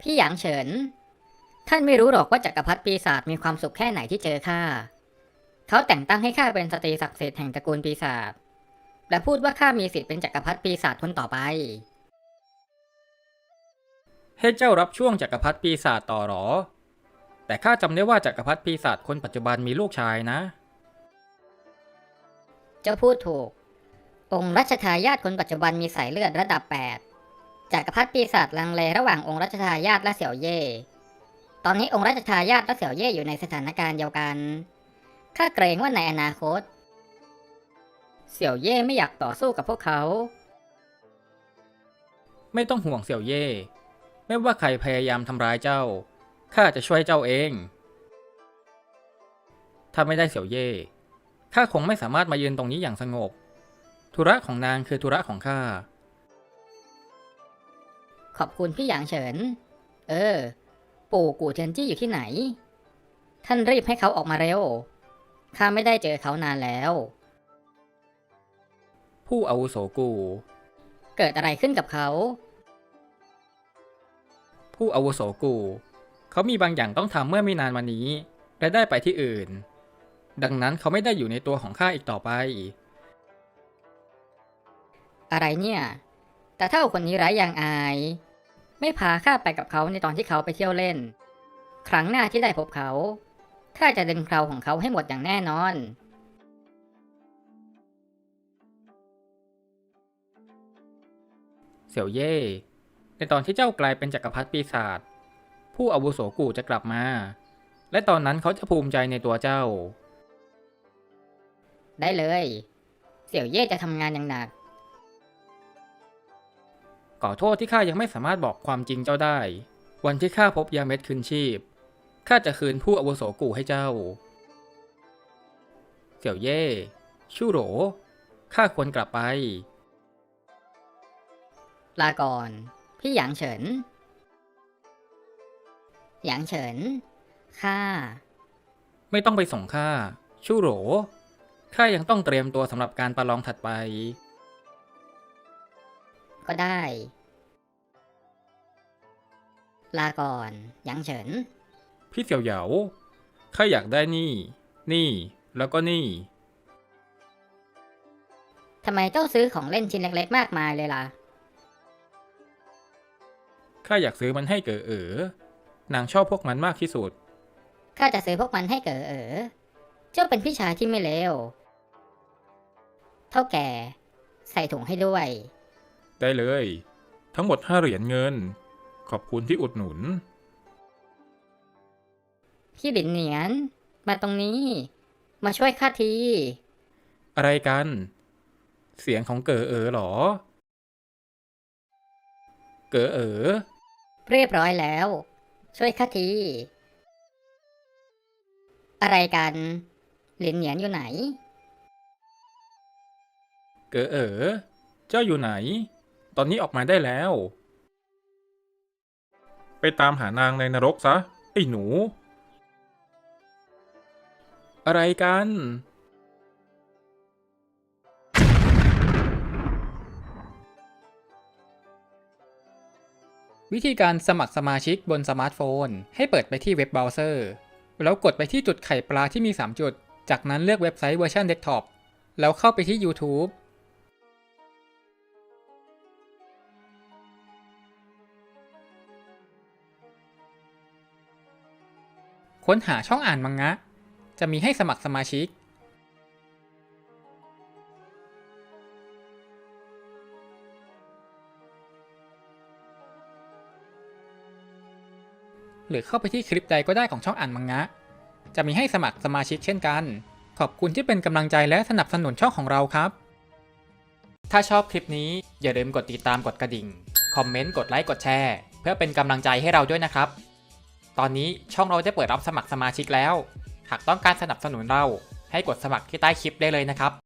พี่หยางเฉินท่านไม่รู้หรอกว่าจักรพรรดิปีศาจมีความสุขแค่ไหนที่เจอข้าเขาแต่งตั้งให้ข้าเป็นสตรีศักดิ์สิทธิ์แห่งตระกูลปีศาจและพูดว่าข้ามีสิทธิ์เป็นจักรพรรดิปีศาจคนต่อไปให้เจ้ารับช่วงจักรพรรดิปีศาจต่อหรอแต่ข้าจำได้ว่าจักรพรรดิปีศาจคนปัจจุบันมีลูกชายนะเจ้าพูดถูกองค์รัชทายาทคนปัจจุบันมีสายเลือดระดับ8จักรพรรดิปีศาจลังเลระหว่างองค์รัชทายาทและเสี่ยวเย่ตอนนี้องค์รัชทายาทและเสี่ยวเย่อยู่ในสถานการณ์เดียวกันข้าเกรงว่าในอนาคตเสี่ยวเย่ไม่อยากต่อสู้กับพวกเขาไม่ต้องห่วงเสี่ยวเย่ไม่ว่าใครพยายามทำร้ายเจ้าข้าจะช่วยเจ้าเองถ้าไม่ได้เสี่ยวเย่ข้าคงไม่สามารถมายืนตรงนี้อย่างสงบธุระของนางคือธุระของข้าขอบคุณพี่หยางเฉินปู่กู่เทียนจี้อยู่ที่ไหนท่านรีบให้เขาออกมาเร็วข้าไม่ได้เจอเขานานแล้วผู้อาวุโสกูเกิดอะไรขึ้นกับเขาผู้อาวุโสกูเขามีบางอย่างต้องทำเมื่อไม่นานมานี้และได้ไปที่อื่นดังนั้นเขาไม่ได้อยู่ในตัวของข้าอีกต่อไปอะไรเนี่ยแต่ถ้าคนนี้ไร้ยางอายไม่พาข้าไปกับเขาในตอนที่เขาไปเที่ยวเล่นครั้งหน้าที่ได้พบเขาข้าจะดึงเคราของเขาให้หมดอย่างแน่นอนเสี่ยวเย่ในตอนที่เจ้ากลายเป็นจักรพรรดิปีศาจผู้อาวุโสกูจะกลับมาและตอนนั้นเขาจะภูมิใจในตัวเจ้าได้เลยเสี่ยวเย่จะทำงานอย่างหนักขอโทษที่ข้ายังไม่สามารถบอกความจริงเจ้าได้วันที่ข้าพบยาเม็ดคืนชีพข้าจะคืนผู้อาวุโสกูให้เจ้าเสี่ยวเย่ชู่โหรข้าควรกลับไปลาก่อนพี่หยางเฉินหยางเฉินข้าไม่ต้องไปส่งข้าชู่โหรข้ายังต้องเตรียมตัวสำหรับการประลองถัดไปก็ได้ลาก่อนหยางเฉินพี่เสี่ยวเหยาข้าอยากได้นี่แล้วก็นี่ทำไมเจ้าซื้อของเล่นชิ้นเล็กๆมากมายเลยล่ะข้าอยากซื้อมันให้เก๋อนางชอบพวกมันมากที่สุดข้าจะซื้อพวกมันให้เก๋อเจ้าเป็นพี่ชายที่ไม่เลวเท่าแก่ใส่ถุงให้ด้วยได้เลยทั้งหมด5 เหรียญเงินขอบคุณที่อุดหนุนพี่หลินเหนียนมาตรงนี้มาช่วยข้าทีอะไรกันเสียงของเก๋เหรอเก๋เรียบร้อยแล้วช่วยข้าทีอะไรกันหลินเหนียนอยู่ไหนเก๋เจ้าอยู่ไหนตอนนี้ออกมาได้แล้วไปตามหานางในนรกซะไอ้หนูอะไรกันวิธีการสมัครสมาชิกบนสมาร์ทโฟนให้เปิดไปที่เว็บเบราว์เซอร์แล้วกดไปที่จุดไข่ปลาที่มี3 จุดจากนั้นเลือกเว็บไซต์เวอร์ชันเดสก์ท็อปแล้วเข้าไปที่ YouTube ค้นหาช่องอ่านมังงะจะมีให้สมัครสมาชิกหรือเข้าไปที่คลิปใดก็ได้ของช่องอ่านมังงะจะมีให้สมัครสมาชิกเช่นกันขอบคุณที่เป็นกำลังใจและสนับสนุนช่องของเราครับถ้าชอบคลิปนี้อย่าลืมกดติดตามกดกระดิ่งคอมเมนต์กดไลค์กดแชร์เพื่อเป็นกำลังใจให้เราด้วยนะครับตอนนี้ช่องเราได้เปิดรับสมัครสมาชิกแล้วหากต้องการสนับสนุนเราให้กดสมัครที่ใต้คลิปได้เลยนะครับ